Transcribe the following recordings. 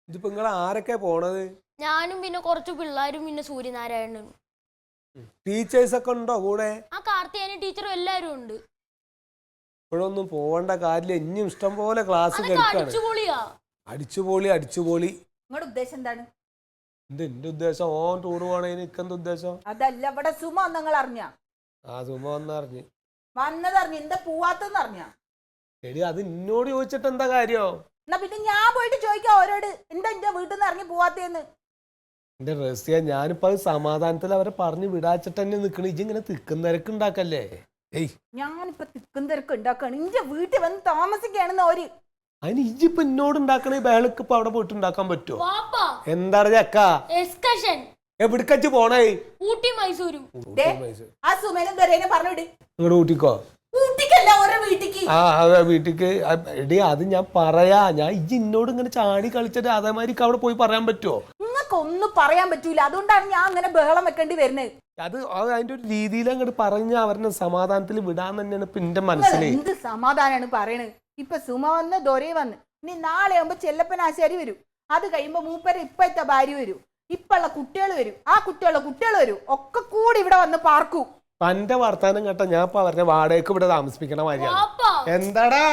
ഇതിപ്പോ നിങ്ങൾ ആരൊക്കെ പോണത്? ഞാനും പിന്നെ കുറച്ച് പിള്ളേരും പിന്നെ സൂര്യനാരായണനും. ടീച്ചേഴ്സ് ഒക്കെ ഉണ്ടോ കൂടെ? ആ കാർത്തിയാനി ടീച്ചറും എല്ലാരും ഉണ്ട്. ഇപ്പോഴൊന്നും പോവേണ്ട കാര്യമില്ല, ഇനിയും ഇഷ്ടം പോലെ ക്ലാസ് കേൾക്കാണ്. അടിച്ചുപൊളി. നിങ്ങളുടെ ഉദ്ദേശം എന്താണ്? എന്റെ ഉദ്ദേശം ഓൻ ടൂർ പോണേന് ഇക്കെന്ത് ഉദ്ദേശം? അതല്ല, ഇവിടെ സുമ നിങ്ങൾ അറിഞ്ഞ? ആ സുമ വന്നറിഞ്ഞ് എന്താ പോവാത്തെന്ന് അറിഞ്ഞ? എടി അത് എന്നോട് ചോദിച്ചിട്ട് എന്താ കാര്യം? എന്നാ പിന്നെ ഞാൻ പോയിട്ട് ചോദിക്കാം ഓരോട്, എന്താ എന്റെ വീട്ടിൽ നിന്ന് ഇറങ്ങി പോവാത്തേന്ന്. എന്റെ റസിയ, ഞാനിപ്പോ അത് സമാധാനത്തിൽ അവരെ പറഞ്ഞു വിടാച്ചിട്ട് തന്നെ നിക്കണ. ഇങ്ങനെ തിക്കും തിരക്ക് ഉണ്ടാക്കല്ലേ? ഞാനിപ്പോ തിക്കും തിരക്ക് ഉണ്ടാക്കാണ്, ഇന്റെ വീട്ടിൽ വന്ന് താമസിക്കാണെന്ന് ഓര്. അതിന് ഇജിപ്പോ എന്നോട് ഉണ്ടാക്കണ ബഹളക്ക് ഇപ്പൊ അവിടെ പോയിട്ട് ഉണ്ടാക്കാൻ പറ്റുമോ? എന്താണ് ചക്ക എവിടക്കച്ച് പോണേ? ഊട്ടി മൈസൂരും. ആ സുമേനും ദൊരേനും പറഞ്ഞിട് നിങ്ങളുടെ ഊട്ടിക്കോ? ഊട്ടിക്കല്ല, ഓരോ വീട്ടിക്ക്. ആ അതെ വീട്ടിക്ക്. എടി അത് ഞാൻ പറയാ, ഞാൻ ഇജ്ജ് എന്നോട് ഇങ്ങനെ ചാടി കളിച്ചിട്ട് അതേമാതിരി അവിടെ പോയി പറയാൻ പറ്റുമോ? നിങ്ങൾക്ക് ഒന്നും പറയാൻ പറ്റൂല, അതുകൊണ്ടാണ് ഞാൻ അങ്ങനെ ബഹളം വെക്കേണ്ടി വരുന്നത്. അത് അതിന്റെ ഒരു രീതിയിൽ അങ്ങോട്ട് പറഞ്ഞ അവരുടെ സമാധാനത്തിൽ വിടാൻ തന്നെയാണ് ഇപ്പൊ എന്റെ മനസ്സിൽ. എന്ത് സമാധാനാണ് പറയണത്? ഇപ്പൊ സുമ വന്ന് ദൊരേ വന്ന്, ഇനി നാളെ ആകുമ്പോ ചെല്ലപ്പൻ ആശാരി വരും. അത് കഴിയുമ്പോ മൂപ്പര് ഇപ്പത്തെ ഭാര്യ വരും, ഇപ്പുള്ള കുട്ടികൾ വരും, ആ കുട്ടികൾ വരും, ഒക്കെ കൂടി ഇവിടെ വന്ന് പാർക്കൂ. എന്റെ വർത്താനം കേട്ട ഞാൻ ഇപ്പൊ അവരുടെ വാടകയ്ക്ക് ഇവിടെ താമസിക്കണ മാതിരിയാണ്. എന്താടാ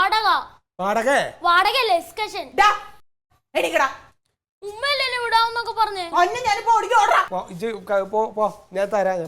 ഞാൻ തരാം.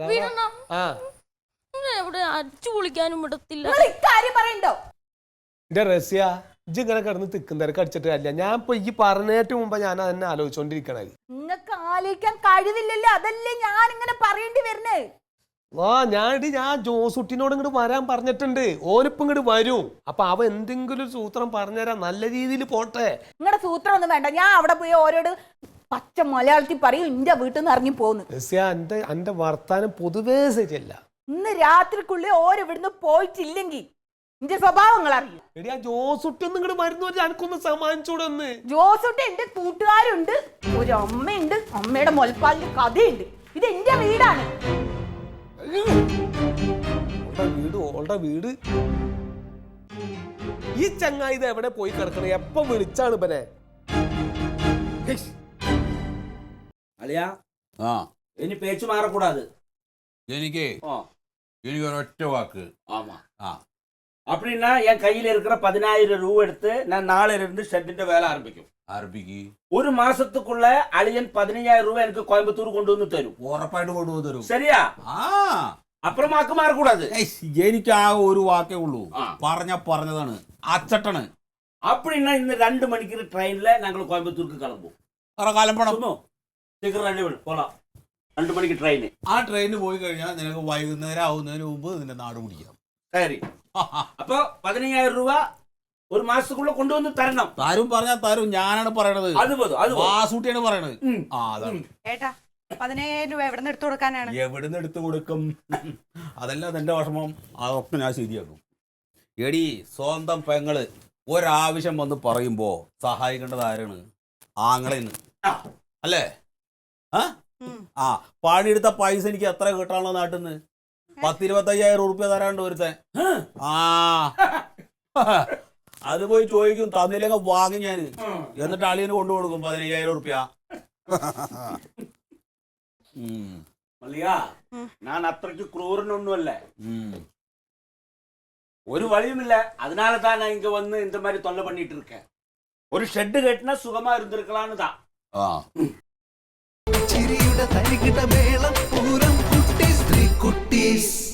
അടിച്ചു പൊളിക്കാനും വിടത്തില്ല. എന്റെ റസിയ, ഇജ്ജ് ഇങ്ങനെ കിടന്ന് തിക്കും തിരക്ക് അടിച്ചിട്ട് അല്ല. ഞാൻ ഇപ്പൊ ഈ പറഞ്ഞേറ്റ് മുമ്പ് ഞാൻ അതന്നെ ആലോചിച്ചോണ്ടിരിക്കണേ. നിങ്ങൾക്ക് ആലോചിക്കാൻ കഴിവില്ലല്ലോ, അതല്ലേ ഞാൻ ഇങ്ങനെ പറയേണ്ടി വരുന്നേ. ഞാൻ ജോസുട്ടിനോട് ഇങ്ങോട്ട് വരാൻ പറഞ്ഞിട്ടുണ്ട്. ഓനിപ്പം ഇങ്ങോട്ട് വരും. അപ്പൊ അവ എന്തെങ്കിലും ഒരു സൂത്രം പറഞ്ഞുതരാം, നല്ല രീതിയിൽ പോട്ടെ. നിങ്ങളുടെ സൂത്രം ഒന്നും വേണ്ട, ഞാൻ അവിടെ പോയി ഓരോട് പച്ച മലയാളത്തിൽ പറയും എന്റെ വീട്ടിൽ നിന്ന് ഇറങ്ങി പോന്നു. എന്റെ വർത്താനം പൊതുവേ ശരിയല്ല. ഇന്ന് രാത്രിക്കുള്ളിൽ ഓരോ ഇവിടുന്ന് പോയിട്ടില്ലെങ്കിൽ എന്റെ സ്വഭാവങ്ങൾ അറിയും. എടി ആ ജോസുട്ടി ഒന്നും ഇങ്ങോട്ട് വരുന്ന എനിക്കൊന്ന് സമ്മാനിച്ചൂടൊന്ന്. ജോസുട്ടി എന്റെ കൂട്ടുകാരുണ്ട്, ഒരു അമ്മയുണ്ട്, അമ്മയുടെ മുലപ്പാലിന്റെ കഥയുണ്ട്. ഇത് എന്റെ വീടാണ്. വീട് ഈ ചങ്ങായി ഇത് എവിടെ പോയി കിടക്കണേ? എപ്പം വിളിച്ചാണ് ഇവനെ? അളിയാ, ഇനി പേച്ചു മാറക്കൂടാது. എനിക്ക് ഒരൊറ്റ വാക്ക്. அப்படின்னா என் கையில இருக்கிற 10,000 ரூபா எடுத்து நான் நாளையில இருந்து ஷெட்டிന്റെ வேலை ஆரம்பிக்கும். ஒரு மாசத்துக்குள்ள அழியன் 15,000 ரூபாய் எனக்கு கோயம்புத்தூர் கொண்டு வந்து தரும். ഉറപ്പായിട്ട് കൊണ്ടുവന്ന് തരും. சரியா? അപ്പുറമാക്ക് മാറക്കൂടാது. എനിക്ക് ആ ഒരു വാക്കേ ഉള്ളൂ. പറഞ്ഞതാണ്, അച്ചട്ടണ്. அப்படின்னா இந்த 2 மணிக்கு ட்ரெயின்ல நாங்கள் கோயம்புத்தூருக்கு கிளம்புவோம். சீக்கிரம் ரெடி பண்ணு, போலாம். 2 மணிக்கு ட்ரெயின். ആ ട്രെയിനിന് പോയി കഴിഞ്ഞാൽ നിനക്ക് വൈകുന്നേരം ആവുന്നതിന് മുമ്പ് നിന്റെ നാട് പിടിക്കാം. சரி, அப்போ 15,000 ரூபாய் ഒരു മാസത്തുക്കുള്ള കൊണ്ടുവന്ന് തരണം. താരും പറഞ്ഞാൽ തരും, ഞാനാണ് പറയണത്. വാസൂട്ടിയാണ് പറയണത്. ഏട്ടാ, 15,000 രൂപ എവിടെ നിന്ന് എടുത്തു കൊടുക്കാനാണ്? എവിടുന്ന് എടുത്തു കൊടുക്കും? അതല്ല എന്റെ വിഷമം, അതൊക്കെ ഞാൻ ശരിയാക്കും. എടി, സ്വന്തം പെങ്ങള് ഒരാവശ്യം വന്ന് പറയുമ്പോ സഹായിക്കേണ്ടത് ആരാണ്? ആങ്ങളെന്ന് അല്ലേ? പണിയെടുത്ത പൈസ എനിക്ക് എത്ര കിട്ടാനുള്ള നാട്ടിൽ നിന്ന്? 10,000-25,000 റുപ്യ തരാണ്ട് ഒരുത്തൻ. അത് പോയി ചോദിക്കും, തന്നില്ലെങ്കിൽ വാങ്ങി ഞാൻ. എന്നിട്ട് അളിയന് കൊണ്ടുകൊടുക്കും 15,000 റുപ്യ. ഞാൻ അത്രയ്ക്ക് ക്രൂരനൊന്നുമല്ല. ഒരു വഴിയുമില്ല, அதனால தான் நான் இங்க வந்து இந்த மாதிரி தொல்லை பண்ணிட்டு இருக்கேன். ஒரு ஷெட் கட்டினா சுகமா இருந்திருக்கலாம்னு தான். ചിരിയുടെ തരികിട മേളം പൂരം കുട്ടീസ് 3 കുട്ടീസ്.